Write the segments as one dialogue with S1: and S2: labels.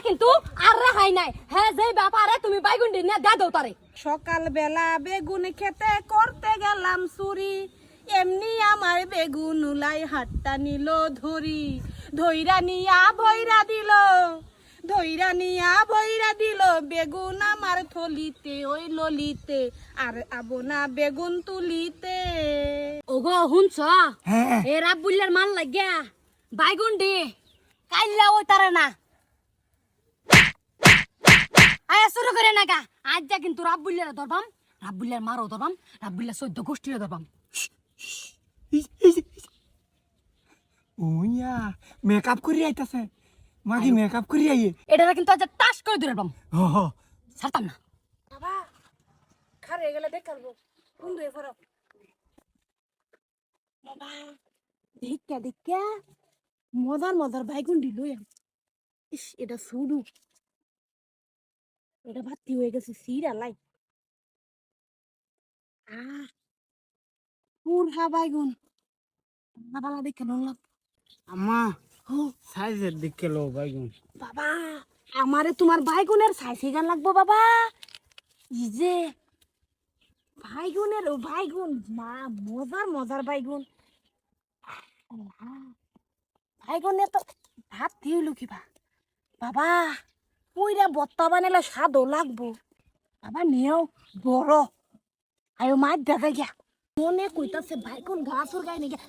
S1: কিন্তু আর রেহাই নাই। হ্যাঁ যে ব্যাপারে তুমি বাইগুন্ডি নিয়ে দে দাও তারে।
S2: সকাল বেলা বেগুন খেতে করতে গেলাম চুরি, এমনি আমার বেগুন উলাই হাতটা নিল ধরি, ধইরা নিয়া ভৈরা দিল, ধইরা নিয়া ভৈরা দিল বেগুন আমার থলিতে ওই ললিতে, আর আবনা বেগুন তুলিতে।
S1: ওগো হুনছ
S3: হ্যাঁ
S1: এ রাব্বুল্লার মান লাগিয়া বাইগুন্ডি কাইল্লা ওই তারে না আয়া শুরু করে না গা। আজ যা কিন্তু রাব্বুল্লার ধরবাম, রাব্বুল্লার মারও ধরবাম, রাব্বুল্লার 14 গোষ্ঠীরে ধরবাম।
S3: ওইয়া মেকআপ করি আইতাছে মাগি মেকআপ করি আইয়ে
S1: এটা কিন্তু আজ টাস করে ধরবাম,
S3: হ হ
S1: ছাড়তাম না।
S2: বাবা খারে গেলে দেখালবো কোন দুয়ে ফরক। বাবা দেখা দেখা মজার মজার বাইগুন্ডি লই আম। ইস এটা শুরু, এটা ভাতি হয়ে গেছে সিরা লাই। পুরহা বাইগুন বালা দেখে নলাম।
S4: আম্মা সাইজের দিকে লো বাইগুন।
S2: বাবা আমারে তোমার বাইগুনের সাইজে গান লাগবো বাবা। ই যে বাইগুনের ও বাইগুন মা মজার মজার বাইগুন। বাইগুনে তো ভাত দিইলো কিবা বাবা, পুইরা বত্তা বানাইলে স্বাদও লাগবো বাবা। নিয়েও বড় আয়ো মাছ দেখা গিয়া মনে কইতাছে বাইগুন গাছর গায়ে নিয়ে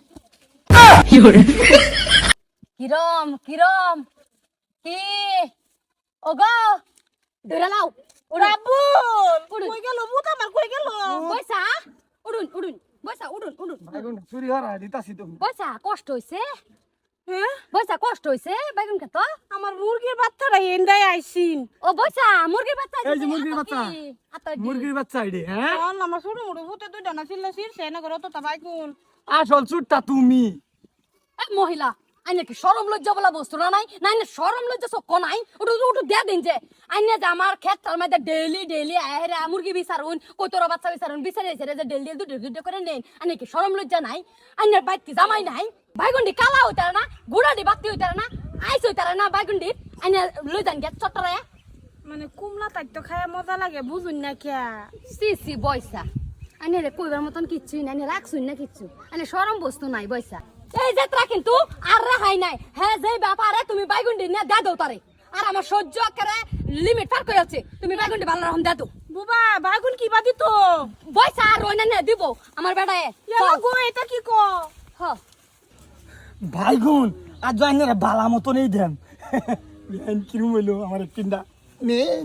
S1: কিরম কিরম কি ওগো ধরে লাও।
S2: রাবুল কই গেল ভূত আমার কই গেল।
S1: বইসা উড়ুন উড়ুন বইসা উড়ুন উড়ুন
S3: বাইগুন চুরি হরা দিতাছি তো
S1: বইসা কষ্ট হইছে,
S2: হ্যাঁ
S1: বইসা কষ্ট হইছে বাইগুন খেত।
S2: আমার মুরগির বাচ্চারা এন্ডাই আইছিন।
S1: ও বইসা মুরগির বাচ্চা
S3: এই যে মুরগির বাচ্চা, মুরগির বাচ্চা আইডি হ্যাঁ
S2: আমার ছোট মোটো ভূতে দুই ডানা ছিল শিরছে না করো তো বাইগুন।
S3: আসল চুরটা তুমি।
S1: মহিলা আইনে কি শরম লজ্জা বলা বস্তু না নাই না আইনে শরম লজ্জা সব নাই। ওটু ওটু দে দিন যে আইনে যে আমার ক্ষেত্রের মধ্যে ডেইলি ডেইলি আহেরা মুরগি বিচারুন কতরা বাচ্চা বিচারুন বিচারে যে ডেইলি দুটো দুটো করে নেন। আইনে কি শরম লজ্জা নাই? আইনের বাইক কি জামাই নাই? বাইগুন্ডি কালা হইতারে না, গুড়াডি বাতি হইতারে না, আইস হইতারে না বাইগুন্ডি আইনে লই যান গে চট্টরে।
S2: মানে কুমলা তাই তো খায় মজা লাগে বুঝুন না কে।
S1: সি সি বয়সা আইনে রে কইবার মতন কিচ্ছুই নাই, রাখছুন না কিচ্ছু, আইনে শরম বস্তু নাই বয়সা। এই যাত্রা কিন্তু আর রেহাই নাই। হ্যাঁ যে ব্যাপারে তুমি বাইগুন্ডি নিয়ে দে দাও তারে। আর আমার সহ্য করে লিমিট পার করে যাচ্ছে। তুমি বাইগুন্ডি ভালো রকম দে দাও।
S2: বুবা বাইগুন কি বাদি তো
S1: বয়সা আর রইনা নিয়ে দিব আমার বেড়ায়।
S2: ইয়ালা গো এটা কি কো।
S1: হ
S3: বাইগুন আর জয়নের বালা মতো নেই দেন বেন কিরম হইলো আমার পিন্ডা নেন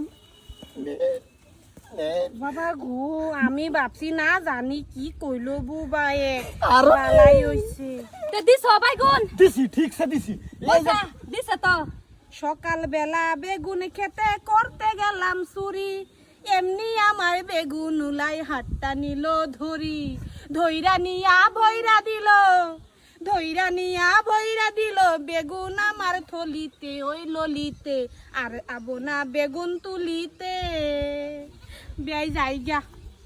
S2: বাবা গো আমি ভাবছি না জানি কি কইলো বুবায়ে
S3: আর
S2: বালাই হইছে।
S1: তে দিছ বাইগুন
S3: দিছি ঠিকছে দিছি এই যে
S1: বয়সা দিছে তো।
S2: সকাল বেলা বেগুন খেতে করতে গেলাম চুরি, এমনি আমার বেগুন উলাই হাতটা নিল ধরি, ধইরা নিয়া ভৈরা দিল, ধইরা নিয়া ভৈরা দিল বেগুন আমার থলিতে ওই ললিতে, আর আবনা বেগুন তুলিতে। বেয়াই যাই গা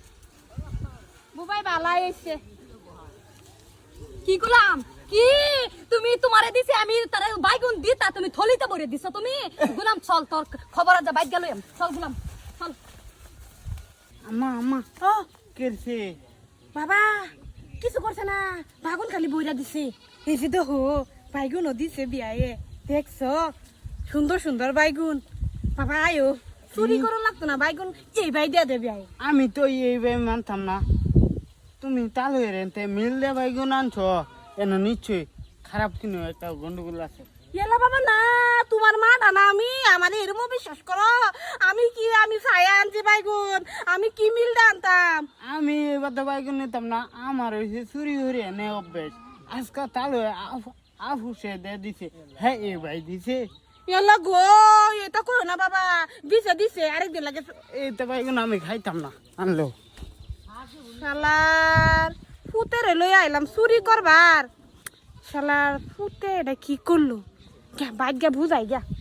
S2: বুবাই বালাই এসে।
S1: কি গুলাম কি তুমি তোমারে দিছি আমি তারে বাইগুন দিতা তুমি থলিতে ভরে দিছ তুমি। গুলাম চল তোর খবর আছে বাইক গেল চল গুলাম চল।
S4: আম্মা আম্মা
S2: ও
S4: কেরছে
S2: বাবা কিছু করছে না, বাগুন খালি বইরা দিছে। এই যে দেখো বাইগুনও দিছে বিয়ায়ে, দেখছো সুন্দর সুন্দর বাইগুন। বাবা আয়ো চুরি করো লাগতো না বাইগুন এই বাই দিয়া দেবে আয়।
S4: আমি তো এইভাবে মানতাম না। তুমি তাহলে রেনতে মিল দে বাইগুন আনছো এন নিশ্চয়ই খারাপ কিনো একটা গন্ডগোল আছে।
S2: এলা বাবা না তোমার মা ডানা আমি আমার এরমও বিশ্বাস করো। আমি কি আমি ছায়া আনছি বাইগুন, আমি কি মিল আনতাম।
S4: আমি এবার তো বাইগুন নিতাম না, আমার হয়েছে চুরি হরে নে অভ্যেস। আজকাল তাহলে আফুসে দে দিছে হ্যাঁ এই ভাই দিছে।
S2: এলা গো এটা করো না বাবা, দিছে দিছে আরেকদিন লাগে।
S4: এই তো বাইগুন আমি খাইতাম না আনলো।
S2: শালার ফুতেরে লই আইলাম চুরি করবার, শালার ফুতে এটা কি করলো বাইক গা বুঝাই গা।